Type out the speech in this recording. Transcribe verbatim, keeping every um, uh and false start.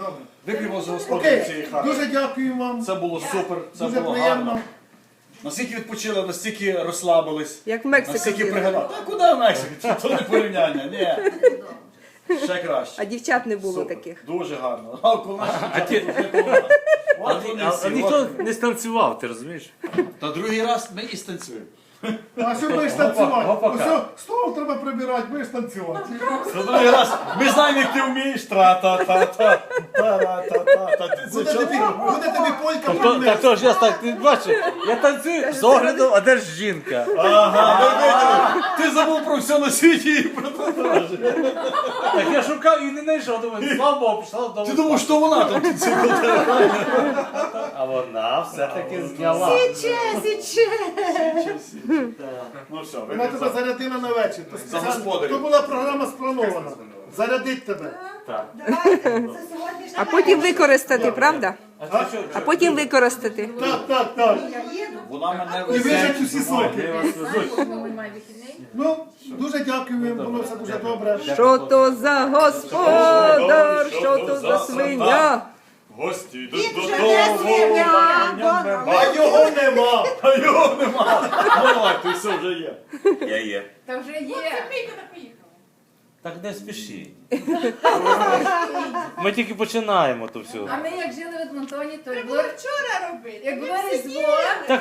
Добре. Вип'ємо за господи цієї Окей, хати. дуже дякую вам. Це було супер, це Дуже було приємно. гарно. Настільки відпочили, настільки розслабились. Як в Мексику Настільки їздили. пригадали. Та куди в Мексику? Це не порівняння, ні. Ще краще. А дівчат не було Супер. таких. Дуже гарно. А коли наші А дівчата ті- дуже допомагали. От вони А, всі, а ніхто от вони. не станцював, ти розумієш? Та другий раз ми і станцюємо. А що будеш танцювати? гопака. Ось стол треба прибирати, будеш танцювати. Та другий раз ми знаємо, як ти вмієш. Тра-та-та-та. Та-ра-та-та-та. Ти це Буде тобі, чого? буде тобі полька То, проблем. так то ж я так, ти бачиш, я танцюю з огляду, а де ж жінка? Ага, ми виділи. Ти забув про все на світі і про те теж. Так я шукав і не знайшов, думаю, слава Богу, пішла вдома. Ти думав, що вона там танцювала? А вона все-таки зняла. Січе, січе. Ну все, Вона тебе ви зарядила на вечір. То, спеціально- господарів. то була програма спланована. Зарядить тебе. А потім використати, правда? А ти що? А потім використати. Так, так, так. Вона мене І вижать усі соки. Де вас везуть? Ну, дуже дякую, було все дуже добре. Що то за господар, що то за свиня? Гості йдуть Він вже додому. не свиня, А його нема. А його нема. Давай, ти все вже є. Я є. Та вже є. Так не спіши. Ми тільки починаємо то все. А ми як жили в Едмонтоні, то Треба як було було вчора робити. як Ми було всі Різдво,